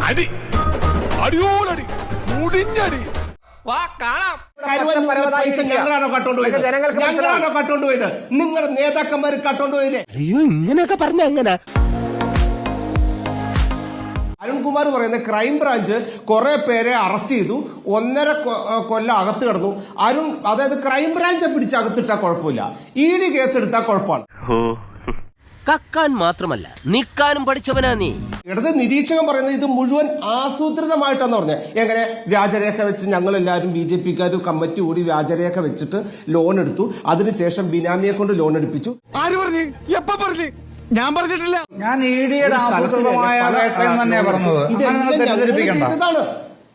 അടി അടിയോടടി മുടിഞ്ഞടി വാ കാണാം. ഞങ്ങളാണോ കട്ടോണ്ടുപോയത്? നിങ്ങളുടെ നേതാക്കന്മാർ കട്ടോണ്ടുപോയില്ലേ? അയ്യോ ഇങ്ങനെയൊക്കെ പറഞ്ഞ എങ്ങനെ? അരുൺകുമാർ പറയുന്ന ക്രൈംബ്രാഞ്ച് കുറെ പേരെ അറസ്റ്റ് ചെയ്തു, 1.5 കൊല്ലം അകത്ത് കിടന്നു. അതായത് ക്രൈംബ്രാഞ്ചെ പിടിച്ച് അകത്തിട്ടാ കുഴപ്പമില്ല, ED കേസ് എടുത്താൽ കുഴപ്പമാണ്. കക്കാൻ മാത്രമല്ല നിക്കാനും പഠിച്ചവനാ നീ. ഇടത് നിരീക്ഷകൻ പറയുന്നത് ഇത് മുഴുവൻ ആസൂത്രിതമായിട്ടാന്ന് പറഞ്ഞത്. എങ്ങനെ വ്യാജരേഖ വെച്ച് ഞങ്ങളെല്ലാവരും BJP-ക്കാരും കമ്മിറ്റി കൂടി വ്യാജരേഖ വെച്ചിട്ട് ലോൺ എടുത്തു, അതിനുശേഷം ബിനാമിയെ കൊണ്ട് ലോൺ എടുപ്പിച്ചു. ആര് പറഞ്ഞു? എപ്പ പറഞ്ഞു? ഞാൻ പറഞ്ഞിട്ടില്ല. ഞാൻ ED-യുടെ ആസൂത്രിതമായ വേട്ടയെന്ന് തന്നെയാ പറഞ്ഞത്. ഇതാണ്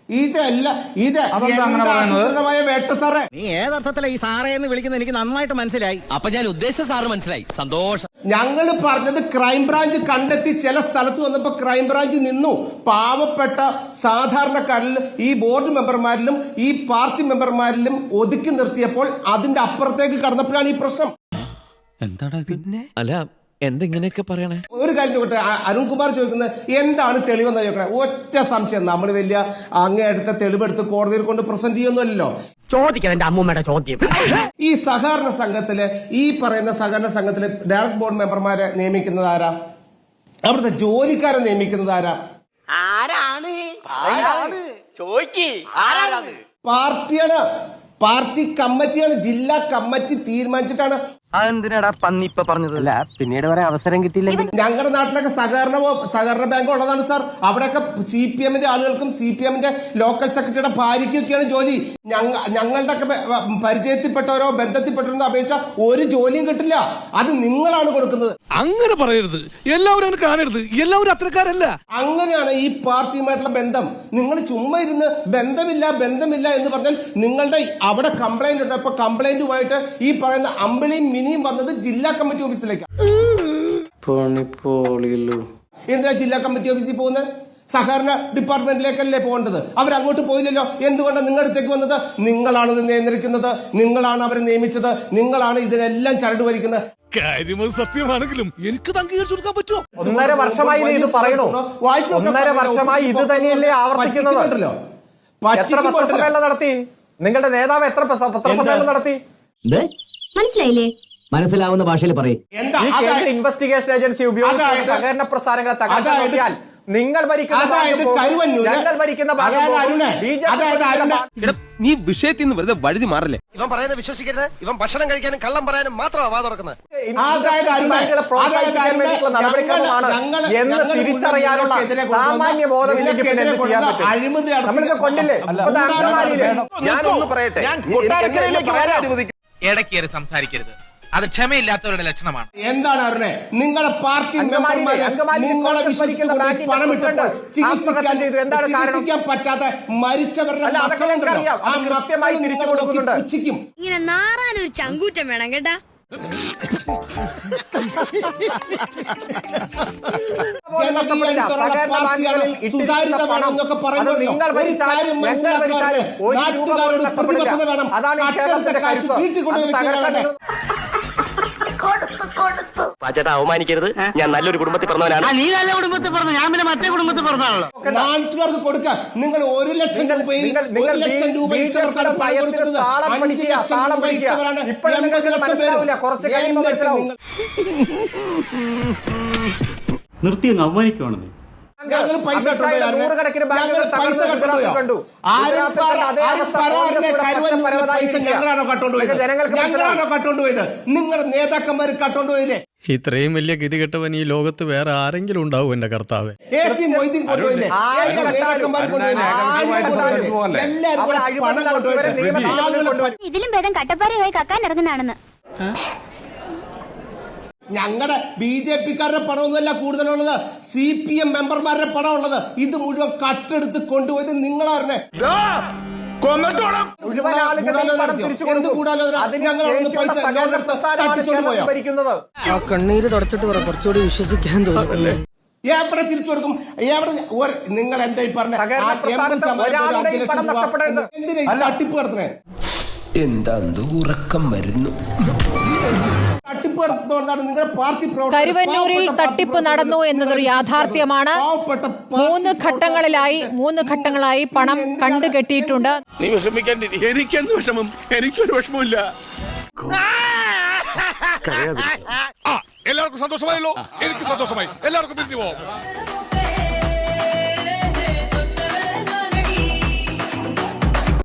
വേട്ട സാറേ. നീ ഏതർത്ഥത്തിലാ ഈ സാറേ എന്ന് വിളിക്കുന്നത് എനിക്ക് നന്നായിട്ട് മനസ്സിലായി. അപ്പൊ ഞാൻ ഉദ്ദേശിച്ച സാറ് മനസ്സിലായി. സന്തോഷം. ഞങ്ങൾ പറഞ്ഞത് ക്രൈംബ്രാഞ്ച് കണ്ടെത്തി ചില സ്ഥലത്ത് വന്നപ്പോ ക്രൈംബ്രാഞ്ച് നിന്നു. പാവപ്പെട്ട സാധാരണക്കാരിൽ ഈ ബോർഡ് മെമ്പർമാരിലും ഈ പാർട്ടി മെമ്പർമാരിലും ഒതുക്കി നിർത്തിയപ്പോൾ അതിന്റെ അപ്പുറത്തേക്ക് കടന്നപ്പോഴാണ് ഈ പ്രശ്നം. എന്താടാ പിന്നെ? അല്ല എന്തെങ്ങനെയൊക്കെ പറയണേ? ഒരു കാര്യം ചോദിക്കട്ടെ, അരുൺകുമാർ ചോദിക്കുന്നത് എന്താണ് തെളിവെന്ന് ചോദിക്കണേ. ഒറ്റ സംശയം, നമ്മൾ വലിയ അങ്ങേയടുത്ത തെളിവെടുത്ത് കോടതിയിൽ കൊണ്ട് പ്രസന്റ് ചെയ്യുന്നല്ലോ. ചോദിക്കാൻ അമ്മൂമ്മയുടെ ചോദ്യം. ഈ സഹകരണ സംഘത്തില് ഈ പറയുന്ന സഹകരണ സംഘത്തില് ഡയറക്ട് ബോർഡ് മെമ്പർമാരെ നിയമിക്കുന്നത് ആരാ? അവിടുത്തെ ജോലിക്കാരെ നിയമിക്കുന്നത് ആരാ? പാർട്ടിയാണ്, പാർട്ടി കമ്മിറ്റിയാണ്. ജില്ലാ കമ്മിറ്റി തീരുമാനിച്ചിട്ടാണ്. അതെന്തിനാടാ പന്നി ഇപ്പൊ പറഞ്ഞത്? അല്ല പിന്നീട് വരെ അവസരം കിട്ടിയില്ലെങ്കിൽ. ഞങ്ങളുടെ നാട്ടിലൊക്കെ സഹകരണ ബാങ്ക് ഉള്ളതാണ് സാർ. അവിടെയൊക്കെ CPM-ന്റെ ആളുകൾക്കും CPM-ന്റെ ലോക്കൽ സെക്രട്ടറിയുടെ ഭാര്യയ്ക്കൊക്കെയാണ് ജോലി. ഞങ്ങളുടെ ഒക്കെ പരിചയത്തിൽപ്പെട്ടവരോ ബന്ധത്തിൽപ്പെട്ടവരോ അപേക്ഷ ഒരു ജോലിയും കിട്ടില്ല. അത് നിങ്ങളാണ് കൊടുക്കുന്നത്. അങ്ങനെ പറയരുത്, എല്ലാവരും അങ്ങനെ കാണരുത്, എല്ലാവരും അത്രക്കാരല്ല. അങ്ങനെയാണ് ഈ പാർട്ടിയുമായിട്ടുള്ള ബന്ധം. നിങ്ങൾ ചുമ്മാ ഇരുന്ന് ബന്ധമില്ല എന്ന് പറഞ്ഞാൽ നിങ്ങളുടെ അവിടെ കംപ്ലൈന്റ് ഉണ്ട്. അപ്പൊ കംപ്ലൈന്റുമായിട്ട് ഈ പറയുന്ന അമ്പിളിയും മിനിയും വന്നത് ജില്ലാ കമ്മിറ്റി ഓഫീസിലേക്കാണ്. എന്തിനാ ജില്ലാ കമ്മിറ്റി ഓഫീസിൽ പോകുന്നത്? സഹകരണ ഡിപ്പാർട്ട്മെന്റിലേക്കല്ലേ പോകേണ്ടത്? അവരങ്ങോട്ട് പോയില്ലല്ലോ. എന്തുകൊണ്ടാണ് നിങ്ങളുടെ അടുത്തേക്ക് വന്നത്? നിങ്ങളാണ് ഇത് നിയന്ത്രിക്കുന്നത്, നിങ്ങളാണ് അവരെ നിയമിച്ചത്, നിങ്ങളാണ് ഇതിനെല്ലാം ചരട് വലിക്കുന്നത്. കാര്യം സത്യമാണെങ്കിലും എനിക്ക് അംഗീകരിച്ചു കൊടുക്കാൻ പറ്റുമോ? 1.5 വർഷമായി ഇത് പറയണോ? 1.5 വർഷമായി ഇത് തന്നെയല്ലേ ആവർത്തിക്കുന്നത്? എത്ര പത്രസമ്മേളനം നടത്തി നിങ്ങളുടെ നേതാവ്? എത്ര പത്രസമ്മേളനം നടത്തി? മനസ്സിലായില്ലേ? മനസ്സിലാവുന്ന ഭാഷയിൽ പറയും. ഈ കേന്ദ്ര ഇൻവെസ്റ്റിഗേഷൻ ഏജൻസി ഉപയോഗിച്ച് സഹകരണ പ്രസ്ഥാനങ്ങളെ തകർക്കാൻ നോക്കിയാൽ നിങ്ങൾ നീ വിഷയത്തിൽ നിന്ന് വെറുതെ വഴുതി മാറല്ലേ. ഇവൻ പറയുന്നത് വിശ്വസിക്കരുത്. ഇവൻ ഭക്ഷണം കഴിക്കാനും കള്ളം പറയാനും മാത്രമാണ് വാ തുറക്കുന്നത്. എന്ന് തിരിച്ചറിയാനുള്ള സാമാന്യ ബോധമില്ലെങ്കിൽ പിന്നെ എന്ത് ചെയ്യാൻ പറ്റും? നമ്മളിത് കൊണ്ടില്ലേ? ഞാനൊന്ന് പറയട്ടെ, ഇടയ്ക്കേറി സംസാരിക്കരുത്. അത് ക്ഷമയില്ലാത്തവരുടെ ലക്ഷണമാണ്. എന്താണ് അറിഞ്ഞേ? നിങ്ങളുടെ പാർട്ടി ചികിത്സിക്കാൻ പറ്റാത്ത മരിച്ചവരുടെ കൃത്യമായി തിരിച്ചു കൊടുക്കുന്നുണ്ട്. ഇങ്ങനെ നാറാനൊരു ചങ്കൂറ്റം വേണം കേട്ടാ. അതാണ് കേരളത്തിന്റെ കരുത്ത്. ചേട്ടാ അവമാനിക്കരുത്. ഞാൻ നല്ലൊരു കുടുംബത്തിൽ പറഞ്ഞവനാണ്. നീ നല്ല കുടുംബത്തിൽ പറഞ്ഞു, ഞാൻ പിന്നെ മറ്റേ കുടുംബത്തിൽ പറഞ്ഞാണല്ലോ. നാട്ടുകാർക്ക് കൊടുക്കാൻ നിങ്ങൾ 1 ലക്ഷം രൂപ നിർത്തി അങ്ങ് അവമാനിക്കുവാണെന്ന്. നൂറുകണക്കിന് ബാങ്കുകൾ കണ്ടു. ഞങ്ങളാണോ കട്ടോണ്ടുപോയത്? നിങ്ങളുടെ നേതാക്കന്മാർ കട്ടോണ്ടുപോയില്ലേ? ഇത്രയും വലിയ ഗതികെട്ടവൻ ഈ ലോകത്ത് വേറെ ആരെങ്കിലും ഉണ്ടാവും എന്റെ കർത്താവേ? ഇതിലും ഭേദം കട്ടപ്പാറയായി കക്കാൻ ഇറങ്ങുന്നതാണെന്ന്. ഞങ്ങളുടെ BJP-ക്കാരുടെ പണമൊന്നുമല്ല കൂടുതലുള്ളത്, CPM മെമ്പർമാരുടെ പണം ഉള്ളത്. ഇത് മുഴുവൻ കട്ടെടുത്ത് കൊണ്ടുപോയത് നിങ്ങളായിരുന്നേ. കണ്ണീര് തുടച്ചിട്ട് പറ, കുറച്ചുകൂടി വിശ്വസിക്കാൻ തോന്നുന്നല്ലേ. എവിടെ തിരിച്ചു കൊടുക്കും? നിങ്ങൾ എന്താ ഈ പറഞ്ഞ എന്തിനാ തട്ടിപ്പ് നടത്തണേ? എന്താ ഉറക്കം വരുന്നു? തട്ടിപ്പ് നടത്തുന്നതുകൊണ്ടാണ് നിങ്ങളുടെ പാർട്ടി പ്രവർത്തകർ കരുവന്നൂരിൽ പാവപ്പെട്ട തട്ടിപ്പ് പാർട്ടി നടന്നു പ്രവർത്തകർ എന്നതൊരു യാഥാർത്ഥ്യമാണ്. പാവപ്പെട്ട പാർട്ടി മൂന്ന് ഘട്ടങ്ങളായി പണം കണ്ടുകെട്ടിയിട്ടുണ്ട്. നീ വിഷമിക്കാണ്ടിരി. എനിക്കെന്ത് വിഷമം? എനിക്കൊരു വിഷമമില്ല. എല്ലാവർക്കും സന്തോഷമായല്ലോ. എനിക്ക് സന്തോഷമായി. എല്ലാവർക്കും പിരിഞ്ഞു പോവാം.